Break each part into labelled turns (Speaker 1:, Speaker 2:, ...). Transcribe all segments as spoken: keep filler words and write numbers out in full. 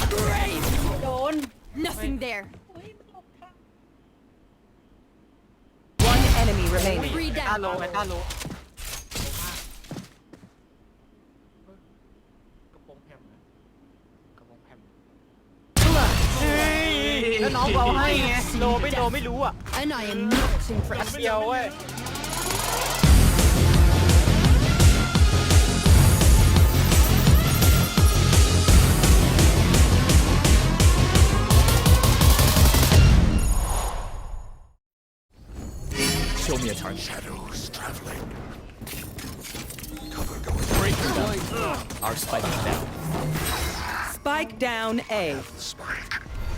Speaker 1: โดน
Speaker 2: Nothing there.
Speaker 1: เฮ้ยหลบทาง
Speaker 3: One enemy remaining.
Speaker 2: Three
Speaker 4: ต้าโล
Speaker 2: down.
Speaker 4: ไปต้าโลกระโปรงแพมนะกระโปรงแพมเฮ้ยแล้วน้องเอาให้ไงโลไม่โลไม่รู้อ่ะ
Speaker 2: And I am not
Speaker 4: แป๊บ
Speaker 2: impressed.
Speaker 4: เดียวเว้ย
Speaker 5: Show me a target.
Speaker 6: Shadows traveling.
Speaker 5: Break them down. Our spike is down.
Speaker 3: Spike down A.
Speaker 6: Spike.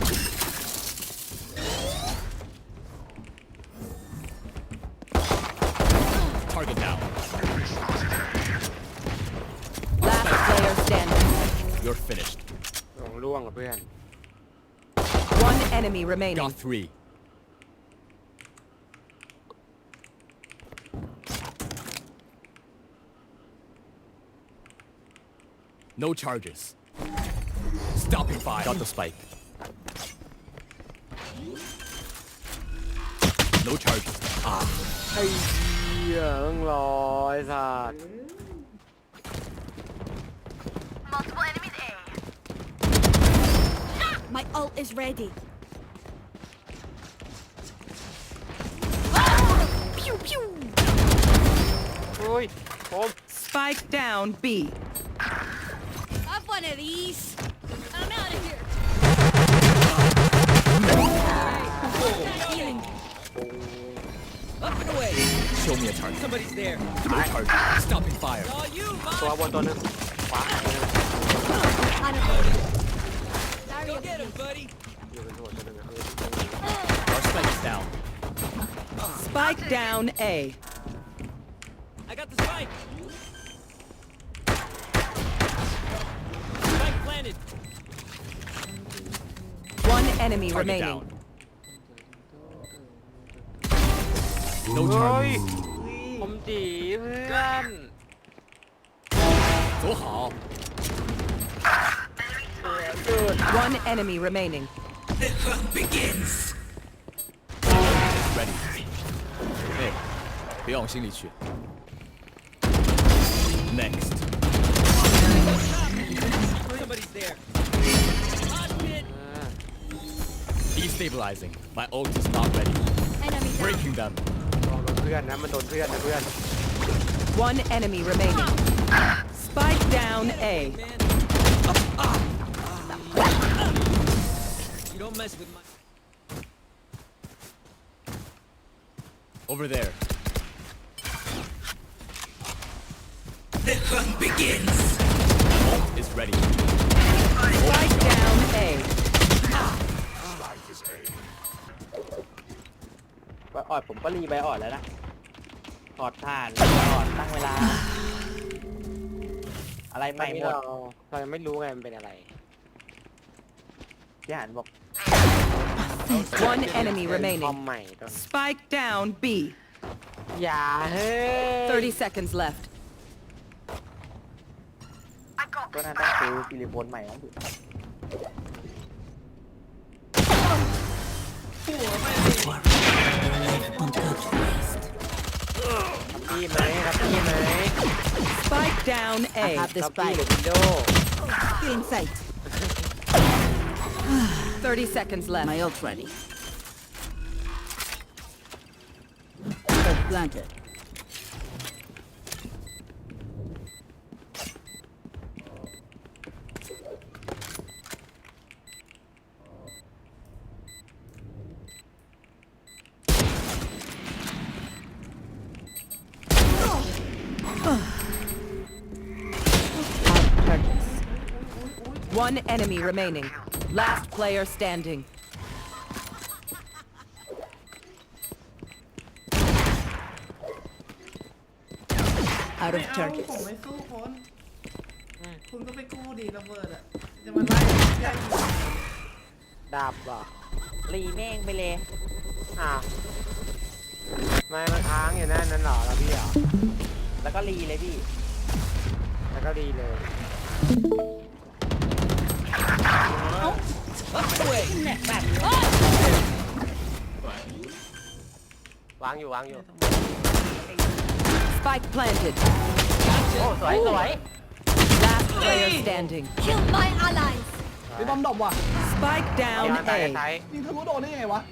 Speaker 5: Target down.
Speaker 3: Last player standing.
Speaker 5: You're finished.
Speaker 4: ลงล่วงกับเพื่อน
Speaker 3: One enemy remaining.
Speaker 5: Got three. No charges. Stopping fire. Got the spike. No charges. Ah.
Speaker 4: ไอ้เหี้ยต้องรอไอ้สัส
Speaker 2: My ult is ready. Pew pew.
Speaker 4: โอ้ยผม
Speaker 3: Spike down B.
Speaker 2: Have one of these. I'm out of here. Healing.
Speaker 5: Up and away. Show me a target. Somebody's there. No charges. Stopping fire.
Speaker 4: ตัวบนตัวหนึงขวา
Speaker 2: Go get him,
Speaker 5: buddy.
Speaker 4: อยู่เป็นตัวตัวหนึงอะ
Speaker 5: Our spike is down.
Speaker 3: Spike down A.
Speaker 5: I got the spike. Spike planted.
Speaker 3: One enemy
Speaker 5: Target
Speaker 3: remaining.
Speaker 5: down. No
Speaker 4: เฮ้ย
Speaker 5: charges.
Speaker 4: ผมจีเพื่อน
Speaker 5: 走好。
Speaker 3: One enemy remaining.
Speaker 5: Ready. 哎，别往心里去。Next. Somebody's there. Destabilizing. My ult is not ready.
Speaker 2: Enemy down.
Speaker 5: Breaking them.
Speaker 4: ลองโดนเพื่อนนะมันโดนเพื่อนนะเพื่อน
Speaker 3: One enemy remaining. Spike down A.
Speaker 5: You don't mess with my. Over there. The hunt begins. Ult is ready.
Speaker 3: Spike down A.
Speaker 6: Spike is A.
Speaker 7: ใบออดผมก็รีใบออดแล้วนะออดผ่านออดตั้งเวลา อะไร
Speaker 4: ต
Speaker 7: ให
Speaker 4: อน
Speaker 7: ม่
Speaker 4: นี้
Speaker 7: หมด
Speaker 4: เราเรายังไม่รู้ไงมันเป็นอะไร
Speaker 7: พี่หันบอก
Speaker 3: One enemy
Speaker 4: คอม
Speaker 3: remaining.
Speaker 4: ใหม่ตอน
Speaker 3: Spike down B.
Speaker 4: อย่าเฮ้ย
Speaker 3: thirty seconds left.
Speaker 7: ก็น่าต้องซื้อซิลิโคนใหม่แล้วสิ
Speaker 4: พี่ไหมครับพี่ไหม
Speaker 3: Spike down A.
Speaker 4: ครับพี่หรือวินโดว์
Speaker 2: In sight.
Speaker 3: thirty seconds left.
Speaker 2: My ult ready. Planted.
Speaker 3: One enemy remaining. Last player standing. Out of
Speaker 1: ไม่เอา
Speaker 3: targets.
Speaker 1: ผมไม่สู้คนคุณก็ไปกู้ดีระเบิดอ่ะจะมาไล่แย่งอยู่
Speaker 4: ดาบเหรอ
Speaker 7: รีแม่งไปเลย
Speaker 4: อ้าวไม่มันค้างอยู่นั่นนั่นเหรอแล้วพี่เหรอ
Speaker 7: แล้วก็รีเลยพี่
Speaker 4: แล้วก็ดีเลยวางอยู่วางอยู่
Speaker 3: Spike planted.
Speaker 4: โอ้สวยสวย
Speaker 3: Last player standing.
Speaker 2: Kill my allies.
Speaker 1: ไอ้บอมดรอปว่ะ
Speaker 3: Spike
Speaker 4: ย้อน
Speaker 3: down
Speaker 4: ไป
Speaker 3: A.
Speaker 4: ท้าย
Speaker 1: ยิงทะลุโดนได้ไงวะ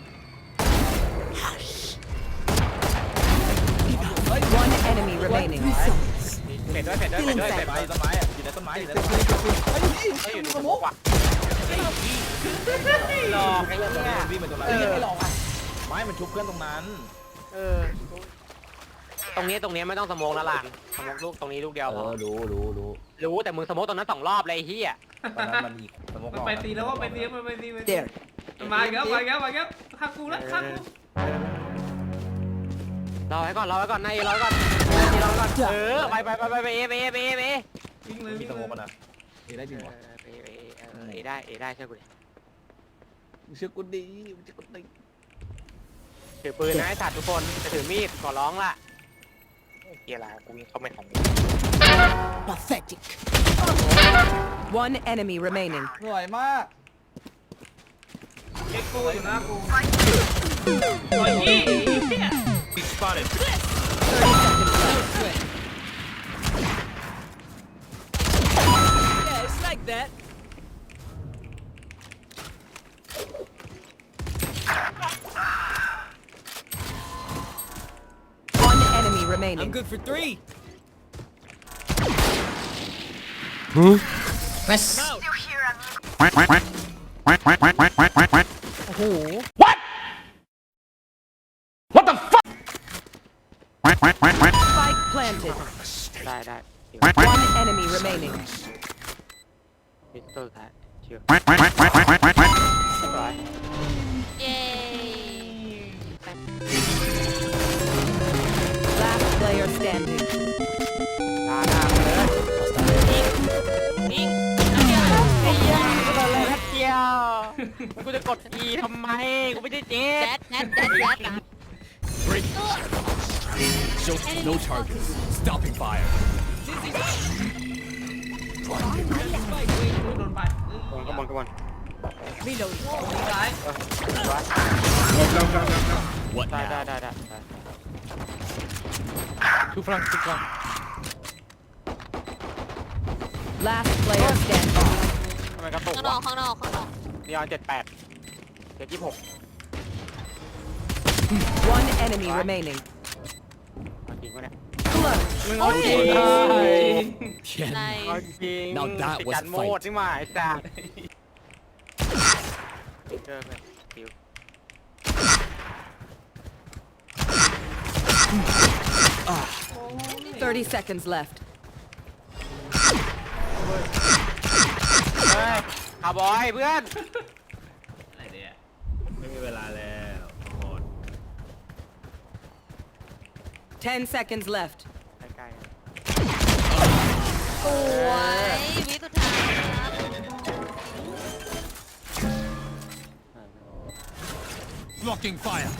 Speaker 3: One enemy remaining.
Speaker 4: เผ็ดด้วยเผ็ดด้วยเผ็ดด้วยเผ็ด
Speaker 5: ต้นไม้ต้นไม้อะอยู่ในต้นไม้อยู่ในต้นไม้
Speaker 1: ไอ้นี่
Speaker 4: เฮ้ยอยู่ใน
Speaker 1: ส
Speaker 4: ส
Speaker 1: ม
Speaker 4: ม
Speaker 1: อ
Speaker 4: อง งว่ะหลอกไอ้เนี่ย
Speaker 5: วิ่งไปตรงนั้น
Speaker 1: เออไม่หลอกอ่ะ
Speaker 5: ไม้มันชุบเพื่อนตรงนั้น
Speaker 4: เออตรงนี้ตรงนี้ไม่ต้องสโมองแล้วล่ะสโมองลูกตรงนี้ลูกเดียว
Speaker 5: เอ
Speaker 4: พอ
Speaker 5: อรู้รู้รู้
Speaker 4: รู้แต่มึงสโมองตรงนั้นสองรอบเลยไอ้เหี้ย
Speaker 5: ตอนนั้นมันอีกสมมติ
Speaker 1: มันไปตีแล้วว่าไปตีมันไปตีมัน
Speaker 3: There.
Speaker 1: มาอีกแล้วมาอีกแล้วมาอีกแล้วฆ่ากูแล้วฆ่ากู
Speaker 4: รอไว้ก่อนรอไว้ก่อนนายรอไว้ก่อนนายรอไว้ก่อนเออไปไปไปไปไปเอไปเอไปเอไปเอ
Speaker 1: วิ่งเลย
Speaker 5: มี
Speaker 1: วิ่ง
Speaker 5: สม
Speaker 1: เล
Speaker 5: ม
Speaker 1: ย
Speaker 5: ตินะมีได้จริงวะ
Speaker 4: ไปเอไปเอเออเอได้เอได้เชื่อกูดิ
Speaker 5: เชื่อกูดีเชื่อกูดี
Speaker 4: ถือปืนนะไอ้สัตว์ทุกคนจะถือมีดขอร้องล่ะเกียร์ละกูยิงเข้าไม่ทัน
Speaker 3: Pathetic. One enemy remaining.
Speaker 1: สวยมากเอ็กโก้อยู่หน้ากูโอ้ยยี่
Speaker 5: Be spotted.
Speaker 3: Yeah, it's like that. One enemy remaining.
Speaker 5: I'm good for three.
Speaker 3: Spike planted.
Speaker 4: ได้ได้
Speaker 3: One enemy remaining.
Speaker 4: มิสเตอร์ครับเชื่อ
Speaker 2: Yay.
Speaker 3: Last player standing.
Speaker 4: ลาหน้าเลย
Speaker 2: Ding.
Speaker 4: ไอ้เหี้ยกูโดนเลยเกียวกูจะกด E ทำไมกูไม่ได้เจ๊
Speaker 2: That, that, that, that.
Speaker 5: Break. Show no targets. Stopping fire.
Speaker 1: โดนไป
Speaker 4: กระมอนกระมอน
Speaker 1: ซ้าย
Speaker 5: What
Speaker 4: ได้ได้
Speaker 5: now?
Speaker 4: ได้ได้ทุกฟรังทุกฟรัง
Speaker 3: Last player standing.
Speaker 4: ทำไมกระตุก
Speaker 2: ข้างนอ
Speaker 4: วะ
Speaker 2: กข้างนอกข้างนอก
Speaker 4: นีออนเจ็ดแปดเจ็ดยี่หก
Speaker 3: One enemy remaining.
Speaker 4: จริงปะเนี่ย
Speaker 3: Clutch.
Speaker 4: เอาจริง
Speaker 5: Yeah.
Speaker 2: ใน
Speaker 4: เอาจริง
Speaker 5: Now that
Speaker 4: ติด
Speaker 5: was
Speaker 4: การโมด
Speaker 5: fight.
Speaker 4: นี่หว่าไอ้สัสเจอไปฟิว
Speaker 3: Thirty seconds left.
Speaker 4: เฮ้ยคาร์บอยเพื่อน
Speaker 1: อะไรเนี่ย
Speaker 5: ไม่มีเวลาแล้วหมด
Speaker 3: Ten seconds left.
Speaker 4: ใกล้
Speaker 2: สวยวิสุดท้ายครับ
Speaker 5: Blocking fire.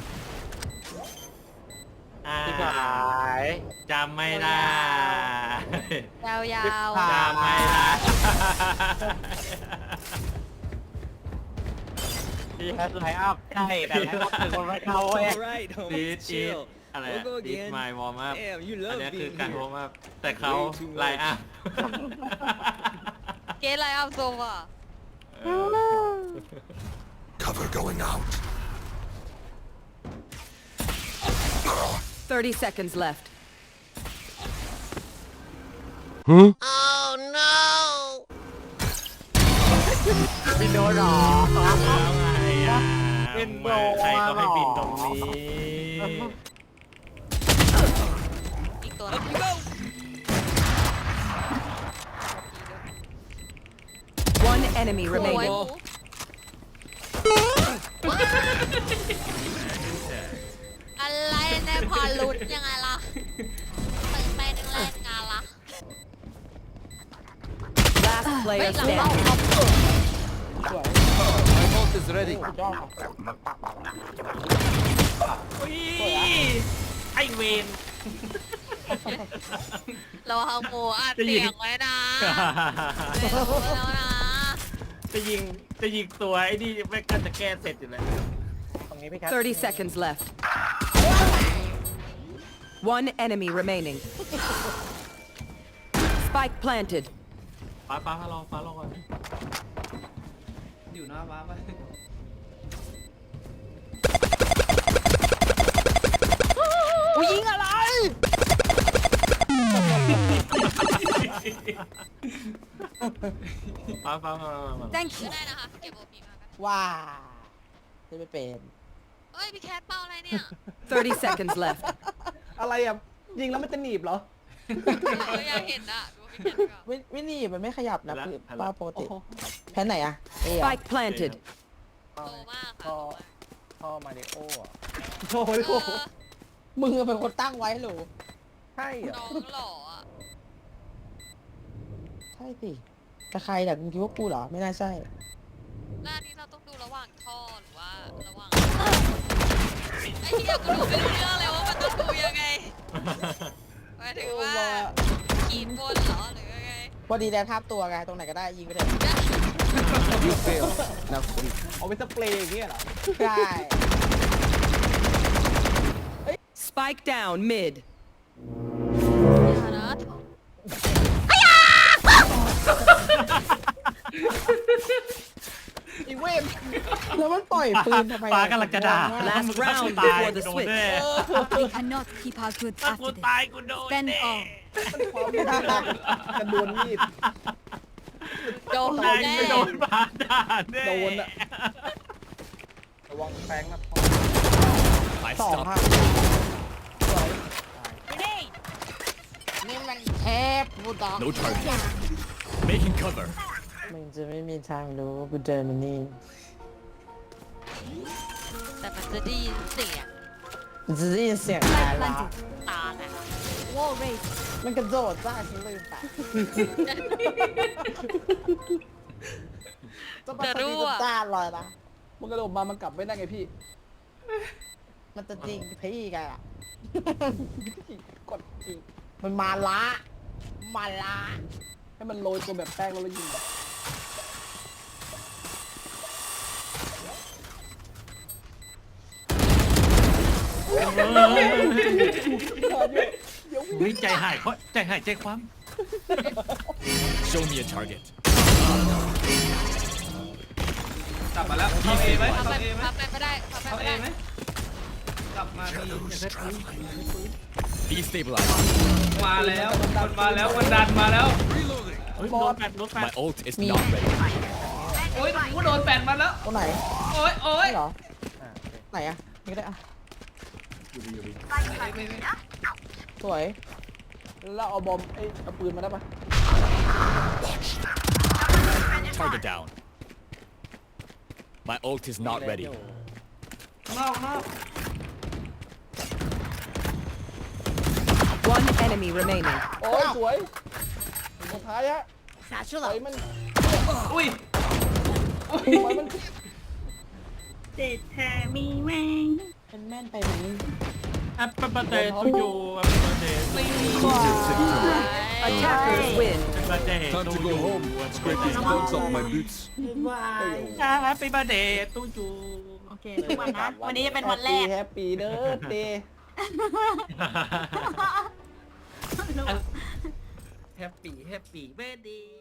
Speaker 4: ๆที่หาย
Speaker 8: จำไม่ได้
Speaker 2: ยาว
Speaker 4: จำไม่ได้ ที่แฮชไลน์อัพใช่แต่ไลน์อัพถึงคนไม่เข้าเว้ย
Speaker 8: right ดีดดีดอะไรอะดีดไมล์วอร์มอัพอันนี้คือการวอร์มอัพแต่เขาไลน์อัพ
Speaker 2: ๆเกสไลน์อัพโซว่ะ
Speaker 6: Cover going out.
Speaker 3: Thirty seconds left.
Speaker 2: Oh no
Speaker 4: บินโดนหรอ
Speaker 8: แล้วไงอ่ะ
Speaker 4: บินโดน
Speaker 8: ใครก็ให้บินตรงนี้
Speaker 2: อีกตัว
Speaker 3: One enemy
Speaker 2: สวย
Speaker 3: remaining.
Speaker 2: อะไรในพอลุดยังไงล่ะไปไปนึงแรกงานละ
Speaker 3: Last
Speaker 2: เฮ้ย
Speaker 3: player
Speaker 2: หลังเรา
Speaker 3: standing.
Speaker 5: My ult is ready.
Speaker 8: ไอเวน
Speaker 2: เราเอาหมูอัดเสียงไว้นะไม่รู้แล้วนะ
Speaker 8: จะยิงจะยิงตัวไอ้นี่แม่งก็จะแก้เสร็จอยู่แล้ว
Speaker 4: ตรงนี้พี่แคท
Speaker 3: thirty seconds left. One enemy remaining. Spike planted.
Speaker 8: ฟ้าฟ้าฟ้ารอฟ้ารอก่อน
Speaker 1: อยู่หน้าบ้านไป
Speaker 4: กูยิงอะไร
Speaker 8: ฟ้าฟ้ามามามา
Speaker 3: Thank
Speaker 2: ก็
Speaker 3: you.
Speaker 2: ได้นะคะเก็บโอพีมากัน
Speaker 7: ว้าจะไม่เป็น
Speaker 2: เอ้ยพี่แคทเป้าอะไรเนี่ย
Speaker 3: thirty seconds left.
Speaker 4: อะไรอ่ะยิงแล้วมันจะหนีบเหรอ
Speaker 2: เอออยากเห็นอะดูพี่แคทก่อน
Speaker 7: ไม่ไม่หนี่มันไม่ขยับนะคือป้าปก
Speaker 4: โอ้
Speaker 7: ติ
Speaker 4: โห
Speaker 7: แพ้ไหนอะเอ้ย
Speaker 3: Spike planted.
Speaker 2: โตมาก
Speaker 4: พ่
Speaker 2: ค่ะ
Speaker 4: อ
Speaker 2: โตมาก
Speaker 4: พ่อมาริโอ้อะโอ้โห
Speaker 2: เออ
Speaker 7: มึงเป็นคนตั้งไว้หรือ
Speaker 4: ใช่เหรอ
Speaker 2: น้องหล่ออะ
Speaker 7: ใช่สิแต่ใครแต่มึงคิดว่ากูเหรอไม่น่าใช่
Speaker 2: แล้วอันนี้เราต้องดูระหว่างท่อหรือว่าระหว่างไอ้เหี้ยกูดูไม่รู้เรื่องเลยว่ามันต้องดูยังไงหมายถึงว่าขีดบนเหรอหรือยังไง
Speaker 7: พอดีแดนทับตัวไงตรงไหนก็ได้ยิงไปเถอะ
Speaker 5: You failed. Now sleep.
Speaker 4: เอาไปสเปรย์อย่างเงี้ยเหรอ
Speaker 7: ใช่
Speaker 3: Spike down mid.
Speaker 2: อย่านะ
Speaker 4: อีเวน
Speaker 7: แล้วมันปล่อยปืนทำไม
Speaker 8: ฟ้ากำลังจะด่า
Speaker 3: Last
Speaker 8: มึง
Speaker 3: round
Speaker 8: ตาย
Speaker 3: before the
Speaker 8: กูโดน
Speaker 3: switch.
Speaker 8: แน่
Speaker 9: We cannot keep our goods
Speaker 8: ถ้ากู
Speaker 9: after this.
Speaker 8: ตายกูโดน
Speaker 9: Spend
Speaker 8: แน่
Speaker 9: all.
Speaker 4: กระโดนมีด
Speaker 2: โดน
Speaker 8: ตาย
Speaker 2: แน่
Speaker 8: กูโดนปาด่าแน่
Speaker 4: โดนอะ ระวังแฟงนะพ่อ
Speaker 5: I
Speaker 7: สอง
Speaker 5: stopped.
Speaker 7: ค่ะสวยนี่มันเทพบูดอก
Speaker 5: No target. Making cover.
Speaker 7: มึงจะไม่มีทางรู้กูเดินมานี่
Speaker 2: แต่มันจะได้ยินเสียง
Speaker 7: มันจะได้ยินเสียงตาย
Speaker 9: Spike
Speaker 7: ละ
Speaker 9: planted.
Speaker 2: ตาน่ะ
Speaker 9: Wall raised.
Speaker 7: มันกระโดดจ้าฉันลืมไปจะมาตีจะจ้าลอยนะ
Speaker 4: มันกระโดดมามันกลับไม่ได้ไงพี่
Speaker 7: มันจะจริงพี่กันอะ
Speaker 4: กดอีก
Speaker 7: มันมาละมาละ
Speaker 4: ให้มันโรยตัวแบบแป้งแล้วเรายิงแบบ
Speaker 8: เฮ้ยใจหายเพราะใจหายใจความ
Speaker 5: Show me a target.
Speaker 1: กลับมาแล้วเข้าเอไหม
Speaker 2: ทำ
Speaker 1: เข้า
Speaker 2: ไป
Speaker 1: เอไหม
Speaker 2: ทำไปไม่ได้ทำไป
Speaker 1: เข้า
Speaker 2: ไม่
Speaker 1: เอ
Speaker 2: ได้
Speaker 1: ไหมกลับมาดี
Speaker 5: Destabilize.
Speaker 1: มาแล้วมันมาแล้วมันดันมาแล้ว
Speaker 8: เฮ้ยโดนแปดโดนแปด
Speaker 5: My ult is not ready.
Speaker 1: โอ๊ยกูโดนแปดมันแล้ว
Speaker 7: ตรงไหน
Speaker 1: โอ๊ยโอ๊ย
Speaker 7: นี่เหรอไหนอะนี่ก็ได้อะสวย
Speaker 4: แล้วเอาบอมไอ้เอาปืนมาได้ปะ
Speaker 5: Target down. My ult is not ready.
Speaker 1: นอกนอก
Speaker 3: One enemy remaining.
Speaker 4: โอ้ยสวยสุดท้ายฮะปล่อยมัน
Speaker 1: อุ้ย
Speaker 4: ปล่อยมัน
Speaker 7: เป็นแม่นไปไหม
Speaker 8: แอปเปิลเบอร์เดย์ทูยูแอปเปิลเบอร์เดย์
Speaker 3: Attackers win.
Speaker 8: แอปเปิลเบอร์เดย์ทูยู
Speaker 6: Scrape these bugs off my boots.
Speaker 8: แฮปปี้เบอร์เดย์ทูยู
Speaker 9: โอเคทุกวันนะ วันนี้จะเป็นวันแรก
Speaker 4: แฮปปี้เด้อเดย์
Speaker 8: แฮปปี้แฮปปี้เบอร์เดย์